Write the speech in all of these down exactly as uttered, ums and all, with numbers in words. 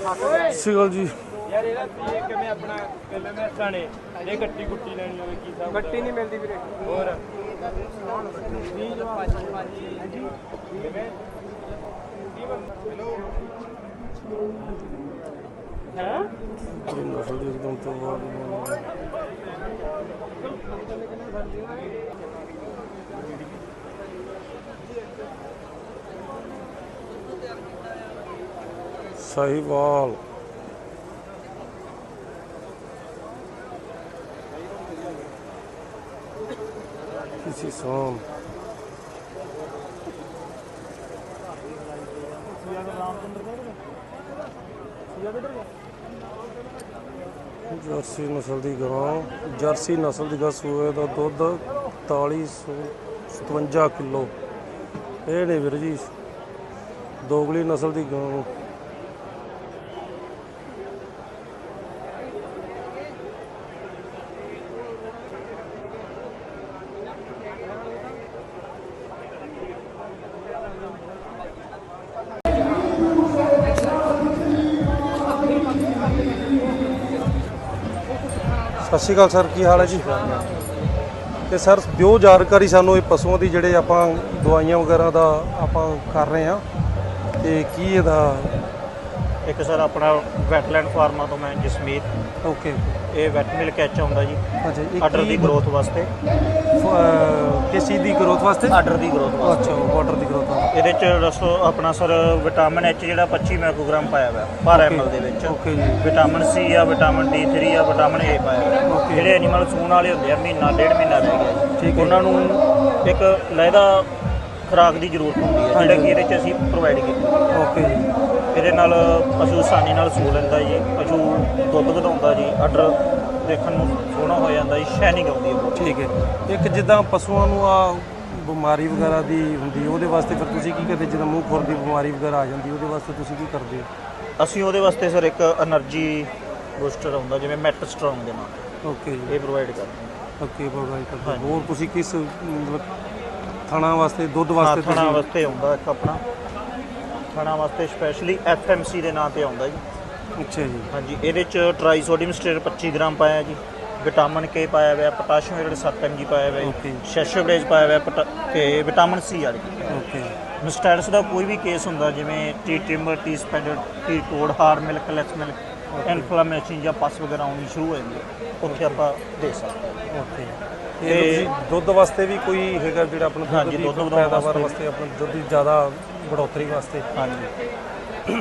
ਸਿਗਲ ਜੀ ਯਾਰ ਇਹਦਾ ਕੀ ਕਿਵੇਂ ਆਪਣਾ ਕਿਵੇਂ ਮੈਸਾਂ ਨੇ ਇਹ ਗੱਟੀ ਗੁੱਟੀ ਲੈਣੀ ਹੋਵੇ ਕੀ ਹਿਸਾਬ ਗੱਟੀ ਨਹੀਂ ਮਿਲਦੀ ਵੀਰੇ ਹੋਰ ਵੀਹ ਜਵਾਬ ਹਾਂਜੀ ਕਿਵੇਂ ਹੈਲੋ ਹੈ ਨਸਲ ਦੀ एकदम ਤੋਂ ਬਾਅਦ साहिवाल किसी सोम जर्सी नस्ल की गां जर्सी नस्ल की गां सूए का दुध ताली सौ सतवंजा किलो ये ने वीर जी दोगली नस्ल की गां सत श्री अकाल सर की हाल है जी तो सर दिओ जानकारी सानू पशुओं की जोड़े आप दवाइयां वगैरह का आप कर रहे हैं तो की इहदा एक सर अपना वैटलैंड फार्मा तो मैं जसमीत ओके ये वैट मिल्क एच आउंदा जी अच्छा आर्डर की ग्रोथ वास्ते किस चीज़ की ग्रोथ वास्ते आर्डर की ग्रोथ वास्ते अच्छा वाटर की ग्रोथ वास्ते ਇਹਦੇ ਚ ਦੱਸੋ ਆਪਣਾ ਸਰ ਵਿਟਾਮਿਨ ਐਚ ਜਿਹੜਾ ਪੱਚੀ ਮਾਈਕ੍ਰੋਗ੍ਰਾਮ ਪਾਇਆ ਹੋਇਆ ਪਰ ਐਮਐਲ ਦੇ ਵਿੱਚ ਓਕੇ ਜੀ ਵਿਟਾਮਿਨ ਸੀ ਆ ਵਿਟਾਮਿਨ ਡੀ ਥ੍ਰੀ ਆ ਵਿਟਾਮਿਨ ਏ ਪਾਇਆ ਹੋਇਆ ਜਿਹੜੇ ਐਨੀਮਲ ਸੂਣ ਵਾਲੇ ਹੁੰਦੇ ਆ ਮਹੀਨਾ ਡੇਢ ਮਹੀਨਾ ਰਹਿ ਗਿਆ ਠੀਕ ਹੈ ਉਹਨਾਂ ਨੂੰ ਇੱਕ ਲਹਿਦਾ ਖੁਰਾਕ ਦੀ ਜ਼ਰੂਰਤ ਹੁੰਦੀ ਹੈ ਜਿਹੜਾ ਕਿ ਇਹਦੇ ਚ ਅਸੀਂ ਪ੍ਰੋਵਾਈਡ ਕੀਤੀ ਓਕੇ ਜੀ ਇਹਦੇ ਨਾਲ ਪਸ਼ੂ ਆਸਾਨੀ ਨਾਲ ਸੂ ਲੈਂਦਾ ਜੀ ਪਸ਼ੂ ਦੁੱਧ ਵਧਾਉਂਦਾ ਜੀ ਆਰਡਰ ਦੇਖਣ ਨੂੰ ਸੋਹਣਾ ਹੋ ਜਾਂਦਾ ਜੀ ਸ਼ਾਈਨਿੰਗ ਆਉਂਦੀ ਹੈ ਬਹੁਤ ਠੀਕ ਹੈ ਇੱਕ ਜਿੱਦਾਂ ਪਸ਼ੂਆਂ ਨੂੰ ਆ ਬਿਮਾਰੀ ਵਗੈਰਾ ਦੀ ਹੁੰਦੀ ਉਹਦੇ ਵਾਸਤੇ ਫਿਰ ਤੁਸੀਂ ਕੀ ਕਰਦੇ ਜਿੱਦਾਂ ਮੂੰਹ ਖੁਰ ਦੀ ਬਿਮਾਰੀ ਵਗੈਰਾ ਆ ਜਾਂਦੀ ਉਹਦੇ ਵਾਸਤੇ ਤੁਸੀਂ ਕੀ ਕਰਦੇ ਹੋ ਅਸੀਂ ਉਹਦੇ ਵਾਸਤੇ ਸਰ ਇੱਕ એનર્ਜੀ ਬੂਸਟਰ ਆਉਂਦਾ ਜਿਵੇਂ ਮੈਟ ਸਟਰੋਂਗ ਦੇ ਨਾਲ ਓਕੇ ਜੀ ਇਹ ਪ੍ਰੋਵਾਈਡ ਕਰਦੇ ਹਾਂ ਓਕੇ ਪ੍ਰੋਵਾਈਡ ਕਰਦੇ ਹੋਰ ਤੁਸੀਂ ਕਿਸ ਮਤਲਬ ਥਣਾ ਵਾਸਤੇ ਦੁੱਧ ਵਾਸਤੇ ਥਣਾ ਵਾਸਤੇ ਆਉਂਦਾ ਇੱਕ ਆਪਣਾ ਥਣਾ ਵਾਸਤੇ ਸਪੈਸ਼ਲੀ ਐਫ ਐਮ ਸੀ ਦੇ ਨਾਂ ਤੇ ਆਉਂਦਾ ਜੀ ਅੱਛਾ ਜੀ ਹਾਂਜੀ ਇਹਦੇ ਚ ਟਰਾਈ ਸੋਡੀਅਮ ਸਟੇਟ ਪੱਚੀ ਗ੍ਰਾਮ ਪਾਇਆ ਜੀ ਵਿਟਾਮਿਨ ਕੇ ਪਾਇਆ ਹੋਇਆ ਪੋਟਾਸ਼ੀਅਮ ਜਿਹੜੇ ਸੱਤ ਐਮ ਜੀ ਪਾਇਆ ਹੋਇਆ ਸ਼ੈਸ਼ੋਬਰੇਜ ਪਾਇਆ ਹੋਇਆ ਤੇ ਵਿਟਾਮਿਨ ਸੀ ਵਾਲੀ ਓਕੇ ਮਿਸਟੈਟਸ ਦਾ ਕੋਈ ਵੀ ਕੇਸ ਹੁੰਦਾ ਜਿਵੇਂ ਟੀ ਟਿੰਬਰ ਟੀ ਸਪੈਡਰ ਟੀ ਕੋਡ hard milk less milk inflammation ਜਾਂ ਪਸ ਵਗੈਰਾ ਆਉਣੀ ਸ਼ੁਰੂ ਹੋ ਜਾਂਦੀ ਹੈ ਉੱਥੇ ਆਪਾਂ ਦੇ ਸਕਦੇ ਓਕੇ ਤੇ ਦੁੱਧ ਵਾਸਤੇ ਵੀ ਕੋਈ ਹੈਗਾ ਜਿਹੜਾ ਆਪਣਾ ਹਾਂਜੀ ਦੁੱਧ ਵਧਾਉਣ ਪੈਦਾਵਾਰ ਵਾਸਤੇ ਆਪਣਾ ਦੁੱਧ ਦੀ ਜ਼ਿਆਦਾ ਬੜੋਤਰੀ ਵਾਸਤੇ ਹਾਂਜੀ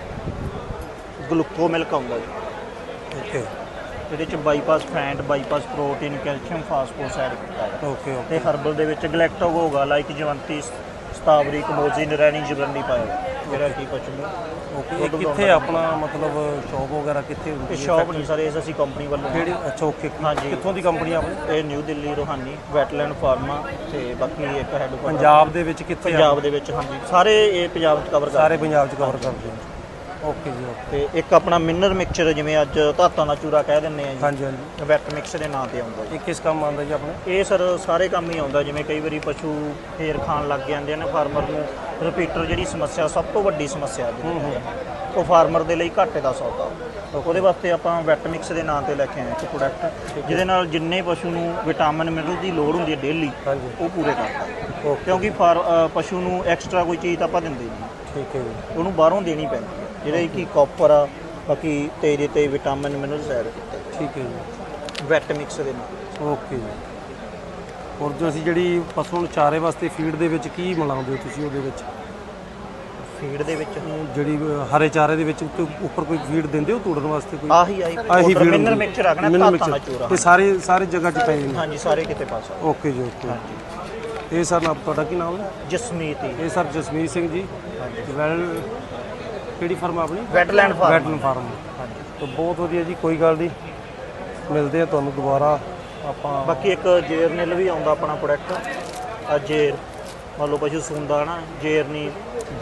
ਗਲੂਕੋ ਮਿਲਕ ਆਉਂਦਾ ਜੀ ਓਕੇ ਇਹਦੇ ਚ bypass fat bypass protein calcium phosphorus add ਕੀਤਾ ਹੈ ਓਕੇ ਤੇ ਹਰਬਲ ਦੇ ਵਿੱਚ ਗਲੈਕਟੋਗੋਗਾ ਲਾਈਕ ਜਵੰਤੀ ਸਤਾਵਰੀ ਕਮੋਜ਼ੀ ਨਰੈਣੀ ਜਬਰਨੀ ਪਾਇਆ ਜਿਹੜਾ ਕੀ ਕੁਛ ਨਹੀਂ ਓਕੇ ਇਹ ਕਿੱਥੇ ਆਪਣਾ ਮਤਲਬ ਸ਼ੌਪ ਵਗੈਰਾ ਕਿੱਥੇ ਹੁੰਦੀ ਇਹ ਹੈ ਸ਼ਾਪ ਨਹੀਂ ਸਰ ਇਹ ਅਸੀਂ ਕੰਪਨੀ ਵੱਲੋਂ ਕਿਹੜੀ ਅੱਛਾ ਓਕੇ ਹਾਂਜੀ ਕਿੱਥੋਂ ਦੀ ਕੰਪਨੀ ਆਪਣੀ ਇਹ ਨਿਊ ਦਿੱਲੀ ਰੋਹਾਨੀ ਵੈਟਲੈਂਡ ਫਾਰਮਾ ਤੇ ਬਾਕੀ ਇੱਕ ਹੈਡ ਪੰਜਾਬ ਦੇ ਵਿੱਚ ਕਿੱਥੇ ਪੰਜਾਬ ਦੇ ਵਿੱਚ ਹਾਂਜੀ ਸਾਰੇ ਇਹ ਪੰਜਾਬ ਚ ਕਵਰ ਕਰ ਸਾਰੇ ਪੰਜਾਬ ਚ ਕਵਰ ਕਰਦੇ ਹੋ ਓਕੇ ਜੀ ਓਕੇ ਤੇ ਇੱਕ ਆਪਣਾ ਮਿਨਰ ਮਿਕਸਚਰ ਜਿਵੇਂ ਅੱਜ ਧਾਤਾਂ ਦਾ ਚੂਰਾ ਕਹਿ ਦਿੰਦੇ ਆ ਜੀ ਹਾਂਜੀ ਹਾਂਜੀ ਵੈਟ ਮਿਕਸ ਦੇ ਨਾਂ ਤੇ ਆਉਂਦਾ ਜੀ ਇਹ ਕਿਸ ਕੰਮ ਆਉਂਦਾ ਜੀ ਆਪਣੇ ਇਹ ਸਰ ਸਾਰੇ ਕੰਮ ਹੀ ਆਉਂਦਾ ਜਿਵੇਂ ਕਈ ਵਾਰੀ ਪਸ਼ੂ ਫੇਰ ਖਾਣ ਲੱਗ ਜਾਂਦੇ ਨੇ ਫਾਰਮਰ ਨੂੰ ਰਿਪੀਟਰ ਜਿਹੜੀ ਸਮੱਸਿਆ ਸਭ ਤੋਂ ਵੱਡੀ ਸਮੱਸਿਆ ਜਿਹੜੀ ਉਹ ਫਾਰਮਰ ਦੇ ਲਈ ਘਾਟੇ ਦਾ ਸੌਦਾ ਉਹਦੇ ਵਾਸਤੇ ਆਪਾਂ ਵੈਟ ਮਿਕਸ ਦੇ ਨਾਂ ਤੇ ਲੈ ਕੇ ਆਏ ਇੱਕ ਪ੍ਰੋਡਕਟ ਜਿਹਦੇ ਨਾਲ ਜਿੰਨੇ ਪਸ਼ੂ ਨੂੰ ਵਿਟਾਮਿਨ ਮਿਨਰਲ ਦੀ ਲੋੜ ਹੁੰਦੀ ਹੈ ਡੇਲੀ ਉਹ ਪੂਰੇ ਕਰਦਾ ਕਿਉਂਕਿ ਫਾਰ ਪਸ਼ੂ ਨੂੰ ਐਕਸਟਰਾ ਕੋਈ ਚੀਜ਼ ਤਾਂ ਆਪਾਂ ਦਿੰਦੇ ਨਹੀਂ ਠੀਕ ਹੈ ਜੀ ਉਹਨੂੰ ਬਾਹਰੋਂ ਦੇਣੀ ਪੈਂਦੀ ਹੈ ਜਿਹੜੇ ਕਿ ਕਾਪਰ ਆ ਬਾਕੀ ਤੇਰੇ ਤੇ ਵਿਟਾਮਿਨ ਮਿਨਰਲਸ ਐਡ ਕੀਤੇ ਠੀਕ ਹੈ ਜੀ ਵੈਟ ਮਿਕਸ ਦੇ ਨਾਲ ਓਕੇ ਜੀ ਹੋਰ ਜੋ ਅਸੀਂ ਜਿਹੜੀ ਪਸ਼ੂ ਨੂੰ ਚਾਰੇ ਵਾਸਤੇ ਫੀਡ ਦੇ ਵਿੱਚ ਕੀ ਮਿਲਾਉਂਦੇ ਹੋ ਤੁਸੀਂ ਉਹਦੇ ਵਿੱਚ ਫੀਡ ਦੇ ਵਿੱਚ ਜਿਹੜੀ ਹਰੇ ਚਾਰੇ ਦੇ ਵਿੱਚ ਉੱਤੇ ਉੱਪਰ ਕੋਈ ਫੀਡ ਦਿੰਦੇ ਹੋ ਤੋੜਨ ਵਾਸਤੇ ਕੋਈ ਆਹੀ ਆਹੀ ਆਹੀ ਫੀਡ ਮਿਨਰਲ ਮਿਕਸਚਰ ਰੱਖਣਾ ਧਾਤਾਂ ਦਾ ਚੂਰਾ ਇਹ ਸਾਰੇ ਸਾਰੇ ਜਗ੍ਹਾ 'ਚ ਪਏ ਨੇ ਹਾਂਜੀ ਸਾਰੇ ਕਿਤੇ ਪਾ ਸਕਦੇ ਓਕੇ ਜੀ ਓਕੇ ਇਹ ਸਰ ਨਾਮ ਤੁਹਾਡਾ ਕੀ ਨਾਮ ਹੈ ਜਸਮੀਤ ਇਹ ਸਰ ਜਸਮੀਤ ਸਿੰਘ ਜੀ ਵੈਲ ਕਿਹੜੀ ਫਰਮ ਆਪਣੀ ਵੈਟਲੈਂਡ ਫਾਰਮ ਵੈਟਲੈਂਡ ਫਾਰਮ ਹਾਂਜੀ ਤਾਂ ਬਹੁਤ ਵਧੀਆ ਜੀ ਕੋਈ ਗੱਲ ਨਹੀਂ ਮਿਲਦੇ ਆ ਤੁਹਾਨੂੰ ਦੁਬਾਰਾ ਆਪਾਂ ਬਾਕੀ ਇੱਕ ਜੇਰਨਿਲ ਵੀ ਆਉਂਦਾ ਆਪਣਾ ਪ੍ਰੋਡਕਟ ਆ ਜੇਰ ਮੰਨ ਲਓ ਪਸ਼ੂ ਸੂੰਦਾ ਨਾ ਜੇਰਨੀ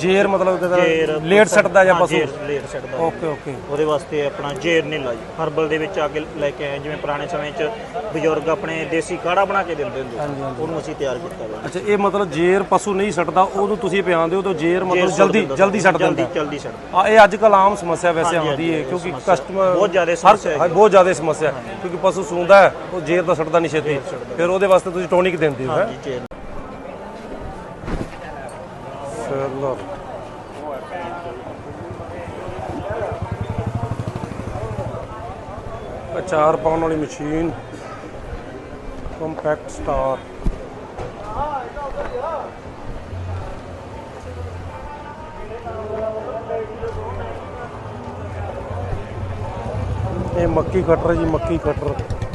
ਜੇਰ ਮਤਲਬ ਜੇਰ ਕਿ ਲੇਟ ਸੱਟਦਾ ਜਾਂ ਹਾਂ, ਪਸ਼ੂ ਜੇਰ ਲੇਟ ਸੱਟਦਾ ਜੀ। ਓਕੇ ਓਕੇ ਉਹਦੇ ਵਾਸਤੇ ਆਪਣਾ ਜੇਰ ਨੀਲਾ ਜੀ ਹਰਬਲ ਦੇ ਵਿੱਚ ਆ ਕੇ ਲੈ ਕੇ ਆਏ, ਜਿਵੇਂ ਪੁਰਾਣੇ ਸਮੇਂ 'ਚ ਬਜ਼ੁਰਗ ਆਪਣੇ ਦੇਸੀ ਕਾੜਾ ਬਣਾ ਕੇ ਦਿੰਦੇ ਹੁੰਦੇ ਹਾਂਜੀ, ਸੀ, ਹਾਂਜੀ। ਉਹਨੂੰ ਅਸੀਂ ਤਿਆਰ ਕੀਤਾ ਹੋਇਆ। ਅੱਛਾ ਇਹ ਮਤਲਬ ਜੇਰ ਪਸ਼ੂ ਨਹੀਂ ਸੱਟਦਾ ਉਹਨੂੰ ਤੁਸੀਂ ਪਿਆਉਂਦੇ ਹੋ ਤਾਂ ਜੇਰ ਮਤਲਬ ਸੁੱਟ ਜਲਦੀ ਦਿੰਦਾ ਜਲਦੀ ਸੱਟ ਜਲਦੀ ਦਿੰਦਾ ਜਲਦੀ ਸੱਟ ਆ ਇਹ ਅੱਜ ਕੱਲ ਆਮ ਸਮੱਸਿਆ ਵੈਸੇ ਹਾਂਜੀ, ਆਉਂਦੀ ਹੈ ਹਾਂਜੀ, ਕਿਉਂਕਿ ਸਮੱਸਿਆ ਕਸਟਮਰ ਬਹੁਤ ਜ਼ਿਆਦਾ ਹਰ ਸਮੱਸਿਆ ਹਾਂ, ਬਹੁਤ ਜ਼ਿਆਦਾ ਸਮੱਸਿਆ ਕਿਉਂਕਿ ਪਸ਼ੂ ਸੂੰਦਾ ਹੈ ਉਹ ਜੇਰ ਤਾਂ ਸੱਟਦਾ ਨਹੀਂ ਛੇਤੀ ਫਿਰ ਉਹਦੇ ਵਾਸਤੇ ਤੁਸੀਂ ਟੋਨਿਕ ਦਿੰਦੇ ਹੋ ਹੈ ਹਾਂਜੀ ਜੇਰ ਚਲੋ ਅਚਾਰ ਪਾਉਣ ਵਾਲੀ ਮਸ਼ੀਨ ਕੰਪੈਕਟ ਸਟਾਰ ਇਹ ਮੱਕੀ ਕਟਰ ਜੀ ਮੱਕੀ ਕਟਰ